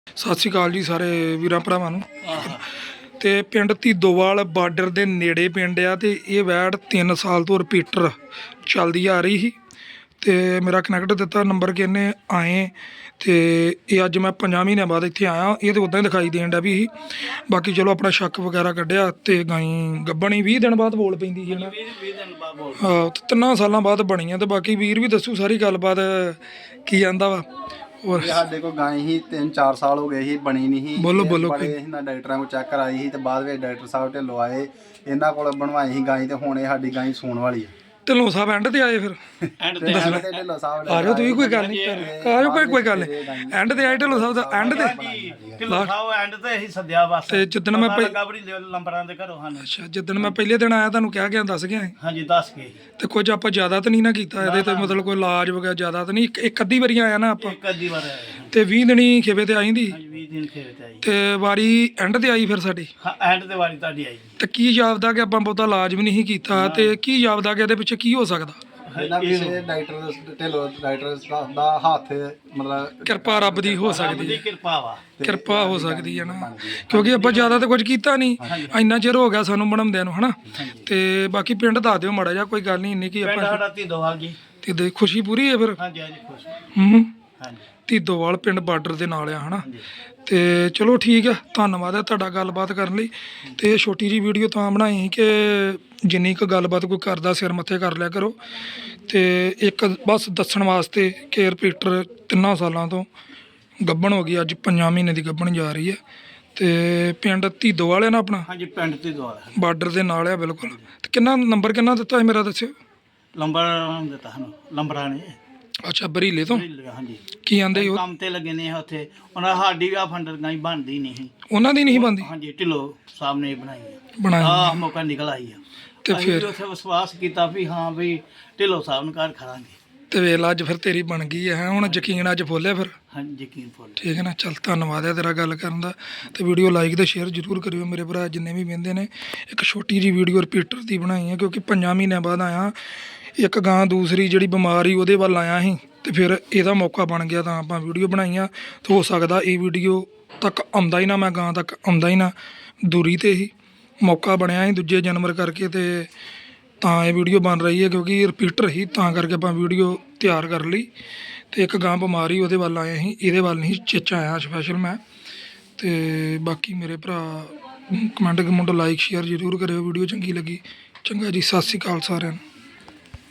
ਸਤਿ ਸ਼੍ਰੀ ਅਕਾਲ ਜੀ ਸਾਰੇ ਵੀਰਾਂ ਭਰਾਵਾਂ ਨੂੰ। ਤੇ ਪਿੰਡ ਧੀਦੋਵਾਲ ਬਾਰਡਰ ਦੇ ਨੇੜੇ ਪਿੰਡ ਆ ਤੇ ਇਹ ਵੈੜ 3 ਸਾਲ ਤੋਂ ਰਿਪੀਟਰ ਚੱਲਦੀ ਆ ਰਹੀ ਸੀ ਤੇ ਮੇਰਾ ਕਨੈਕਟ ਦਿੱਤਾ ਨੰਬਰ ਕਿੰਨੇ ਆਏ ਤੇ ਇਹ ਅੱਜ ਮੈਂ 5 ਮਹੀਨਿਆਂ ਬਾਅਦ ਇੱਥੇ ਆਇਆ। ਇਹ ਤੇ ਉਦਾਂ ਹੀ ਦਿਖਾਈ ਦੇਣ ਡਿਆ ਵੀ ਸੀ, ਬਾਕੀ ਚਲੋ ਆਪਣਾ ਸ਼ੱਕ ਵਗੈਰਾ ਕੱਢਿਆ ਤੇ ਗਾਈ ਗੱਬਣੀ 20 ਦਿਨ ਬਾਅਦ ਬੋਲ ਪੈਂਦੀ ਸੀ ਨਾ। 20 ਦਿਨ ਬਾਅਦ ਬੋਲ ਹਾਂ 3 ਸਾਲਾਂ ਬਾਅਦ ਬਣੀ ਆ ਤੇ ਬਾਕੀ ਵੀਰ ਵੀ ਦੱਸੂ ਸਾਰੀ ਗੱਲਬਾਤ ਕੀ ਆਂਦਾ ਵਾ। ਔਰ ਸਾਡੇ ਕੋਲ ਗਾਂ ਹੀ 3-4 ਸਾਲ ਹੋ ਗਏ ਸੀ, ਬਣੀ ਨਹੀਂ ਸੀ। ਬੋਲੋ ਬੋਲੋ ਬੜੇ ਇਹਨਾਂ ਡਾਕਟਰਾਂ ਕੋਲ ਚੈੱਕ ਕਰਾਈ ਸੀ ਤੇ ਬਾਅਦ ਵਿੱਚ ਡਾਕਟਰ ਸਾਹਿਬ ਢਿੱਲੋਂ ਆਏ, ਇਹਨਾਂ ਕੋਲ ਬਣਵਾਈ ਸੀ ਗਾਂ ਤੇ ਹੁਣ ਇਹ ਸਾਡੀ ਗਾਂ ਸੂਣ ਵਾਲੀ ਹੈ। ਢਿੱਲੋਂ ਸਾਹਿਬ ਐਂਡ ਤੇ ਆਏ ਫਿਰ ਐਂਡ ਤੇ ਢਿੱਲੋਂ ਸਾਹਿਬ ਆ ਜਾਓ ਤੁਸੀਂ, ਕੋਈ ਗੱਲ ਨਹੀਂ ਆ ਜਾਓ, ਕੋਈ ਗੱਲ ਨਹੀਂ। ਐਂਡ ਤੇ ਆਏ ਢਿੱਲੋਂ ਸਾਹਿਬ ਦਾ ਐਂਡ ਤੇ ਢਿੱਲੋਂ ਸਾਹਿਬ ਐਂਡ ਤੇ ਅਸੀਂ ਸੱਦਿਆ ਬਸ। ਤੇ ਜਿੱਦਣ ਮੈਂ ਨੰਬਰਾਂ ਦੇ ਘਰੋਂ ਹਨ। ਅੱਛਾ ਜਿੱਦਣ ਮੈਂ ਪਹਿਲੇ ਦਿਨ ਆਇਆ ਤੁਹਾਨੂੰ ਕਿਹਾ ਗਿਆ ਦੱਸ ਗਿਆ ਹਾਂਜੀ ਦੱਸ ਕੇ। ਤੇ ਕੁਝ ਆਪਾਂ ਜ਼ਿਆਦਾ ਤਾਂ ਨਹੀਂ ਨਾ ਕੀਤਾ ਇਹਦੇ ਤੇ, ਮਤਲਬ ਕੋਈ ਇਲਾਜ ਵਗੈਰਾ ਜ਼ਿਆਦਾ ਤਾਂ ਨਹੀਂ। ਇੱਕ ਅੱਧੀ ਵਾਰੀ ਆਇਆ ਨਾ ਆਪਾਂ ਇੱਕ ਅੱਧੀ ਵਾਰ ਆਏ ਤੇ 20 ਦਿਨੀ ਖੇਵੇ ਤੇ ਆਈ ਦੀ 20 ਦਿਨ ਖੇਤ ਤੇ ਆਈ ਤੇ ਵਾਰੀ ਐਂਡ ਤੇ ਆਈ ਫਿਰ ਸਾਡੀ। ਹਾਂ ਐਂਡ ਤੇ ਵਾਰੀ ਤੁਹਾਡੀ ਆਈ। ਤੇ ਕੀ ਜਾਪਦਾ ਕਿ ਆਪਾਂ ਬਹੁਤਾ ਇਲਾਜ ਵੀ ਨਹੀਂ ਕੀਤਾ ਤੇ ਕੀ ਜਾਪਦਾ ਕਿ ਇਹਦੇ ਪਿੱਛੇ ਕੀ ਹੋ ਸਕਦਾ? ਇਹਨਾਂ ਪਿੱਛੇ ਡਾਕਟਰ ਢਿੱਲੋਂ ਡਾਕਟਰ ਦਾ ਹੱਥ ਮਤਲਬ ਕਿਰਪਾ ਰੱਬ ਦੀ ਹੋ ਸਕਦੀ ਦੀ ਹੈ, ਕਿਰਪਾ ਵਾ। ਕਿਰਪਾ ਹੋ ਸਕਦੀ ਹੈ ਨਾ, ਕਿਉਂਕਿ ਆਪਾਂ ਜ਼ਿਆਦਾ ਤਾਂ ਕੁਝ ਕੀਤਾ ਨਹੀਂ, ਇੰਨਾ ਚਿਰ ਹੋ ਗਿਆ ਸਾਨੂੰ ਬਣਾਉਂਦਿਆਂ ਨੂੰ ਹਨਾ। ਤੇ ਬਾਕੀ ਪਿੰਡ ਦੱਸ ਦਿਓ ਮਾੜਾ ਜਿਹਾ, ਕੋਈ ਗੱਲ ਨਹੀਂ ਇੰਨੀ ਕੀ ਪਿੰਡ ਆਪਾਂ ਸਾਡਾ ਧੀਦੋਵਾਲ ਜੀ। ਤੇ ਦੇ ਖੁਸ਼ੀ ਪੂਰੀ ਹੈ ਫਿਰ। ਹਾਂਜੀ ਹਾਂਜੀ ਖੁਸ਼ ਹਾਂਜੀ ਧੀਦੋਵਾਲ ਪਿੰਡ ਬਾਰਡਰ ਦੇ ਨਾਲ ਆ ਹਨਾ। ਤੇ ਚਲੋ ਠੀਕ ਆ, ਧੰਨਵਾਦ ਹੈ ਤੁਹਾਡਾ ਗੱਲਬਾਤ ਕਰਨ ਲਈ। ਤੇ ਇਹ ਛੋਟੀ ਜੀ ਵੀਡੀਓ ਤਾਂ ਬਣਾਈ ਸੀ ਕਿ ਜਿੰਨੀ ਕੁ ਗੱਲਬਾਤ ਕੋਈ ਕਰਦਾ ਸਿਰ ਮੱਥੇ ਕਰ ਲਿਆ ਕਰੋ। ਤੇ ਇੱਕ ਬਸ ਦੱਸਣ ਵਾਸਤੇ ਕਿ ਰਿਪੀਟਰ 3 ਸਾਲਾਂ ਤੋਂ ਗੱਭਣ ਹੋ ਗਈ, ਅੱਜ 5 ਮਹੀਨੇ ਦੀ ਗੱਭਣ ਜਾ ਰਹੀ ਹੈ। ਤੇ ਪਿੰਡ ਧੀਦੋਵਾਲ ਹੈ ਨਾ ਆਪਣਾ, ਹਾਂਜੀ ਪਿੰਡ ਧੀਦੋਵਾਲ ਬਾਰਡਰ ਦੇ ਨਾਲ ਆ ਬਿਲਕੁਲ। ਤੇ ਕਿੰਨਾ ਨੰਬਰ ਕਿੰਨਾ ਦਿੱਤਾ ਹੈ ਮੇਰਾ ਦੱਸਿਓ? ਲੰਬਰ ਦਿੱਤਾ ਸਾਨੂੰ ਲੰਬਰਾਂ ਨੇ। ਅੱਛਾ ਬਰੀਲੇ ਤੋਂ ਹਾਂਜੀ ਕੀ ਆਂਦੇ ਉਹ ਕੰਮ ਤੇ ਲੱਗੇ ਨੇ ਉੱਥੇ। ਉਹਨਾਂ ਸਾਡੀ ਵੀ ਆ ਫੰਡਰ ਗਾਈ ਬਣਦੀ ਨਹੀਂ ਸੀ, ਉਹਨਾਂ ਦੀ ਨਹੀਂ ਬਣਦੀ? ਹਾਂਜੀ ਢਿੱਲੋਂ ਸਾਹਿਬ ਨੇ ਬਣਾਈ ਆ, ਬਣਾਈ ਆਹ ਮੌਕਾ ਨਿਕਲ ਆਈ ਆ। ਤੇ ਅਸੀਂ ਫਿਰ ਉੱਥੇ ਵਿਸ਼ਵਾਸ ਕੀਤਾ ਵੀ ਹਾਂ ਵੀ ਢਿੱਲੋਂ ਸਾਹਿਬ ਨੂੰ ਘਰ ਖੜਾਂਗੇ। ਤੇ ਵੇਲਾ ਅੱਜ ਫਿਰ ਤੇਰੀ ਬਣ ਗਈ ਹੈ ਹੁਣ ਯਕੀਨ ਅੱਜ ਫੋਲਿਆ ਫਿਰ। ਹਾਂਜੀ ਯਕੀਨ ਫੁੱਲ। ਠੀਕ ਹੈ ਨਾ, ਚੱਲ ਧੰਨਵਾਦ ਹੈ ਤੇਰਾ ਗੱਲ ਕਰਨ ਦਾ। ਤੇ ਵੀਡੀਓ ਲਾਈਕ ਤੇ ਸ਼ੇਅਰ ਜ਼ਰੂਰ ਕਰਿਓ ਮੇਰੇ ਭਰਾ ਜਿੰਨੇ ਵੀ ਵਹਿੰਦੇ ਨੇ। ਇੱਕ ਛੋਟੀ ਜੀ ਵੀਡੀਓ ਰਿਪੀਟਰ ਦੀ ਬਣਾਈ ਹੈ ਕਿਉਂਕਿ 5 ਮਹੀਨਿਆਂ ਬਾਅਦ ਆਇਆ। ਇੱਕ ਗਾਂ ਦੂਸਰੀ ਜਿਹੜੀ ਬਿਮਾਰ ਸੀ ਉਹਦੇ ਵੱਲ ਆਇਆ ਸੀ ਤੇ ਫਿਰ ਇਹਦਾ ਮੌਕਾ ਬਣ ਗਿਆ ਤਾਂ ਆਪਾਂ ਵੀਡੀਓ ਬਣਾਈਆਂ। ਤੇ ਹੋ ਸਕਦਾ ਇਹ ਵੀਡੀਓ ਤੱਕ ਆਉਂਦਾ ਹੀ ਨਾ, ਮੈਂ ਗਾਂ ਤੱਕ ਆਉਂਦਾ ਹੀ ਨਾ, ਦੂਰੀ 'ਤੇ ਹੀ ਮੌਕਾ ਬਣਿਆ ਸੀ ਦੂਜੇ ਜਾਨਵਰ ਕਰਕੇ। ਤੇ ਤਾਂ ਇਹ ਵੀਡੀਓ ਬਣ ਰਹੀ ਹੈ ਕਿਉਂਕਿ ਰਿਪੀਟਰ ਹੀ, ਤਾਂ ਕਰਕੇ ਆਪਾਂ ਵੀਡੀਓ ਤਿਆਰ ਕਰ ਲਈ। ਤੇ ਇੱਕ ਗਾਂ ਬਿਮਾਰੀ ਉਹਦੇ ਵੱਲ ਆਏ ਸੀ, ਇਹਦੇ ਵੱਲ ਨਹੀਂ ਚੇਚਾ ਆਇਆ ਸਪੈਸ਼ਲ ਮੈਂ। ਤੇ ਬਾਕੀ ਮੇਰੇ ਭਰਾ ਕਮੈਂਟ ਲਾਈਕ ਸ਼ੇਅਰ ਜ਼ਰੂਰ ਕਰਿਓ, ਵੀਡੀਓ ਚੰਗੀ ਲੱਗੀ। ਚੰਗਾ ਜੀ, ਸਤਿ ਸ਼੍ਰੀ ਅਕਾਲ ਸਾਰਿਆਂ ਨੂੰ।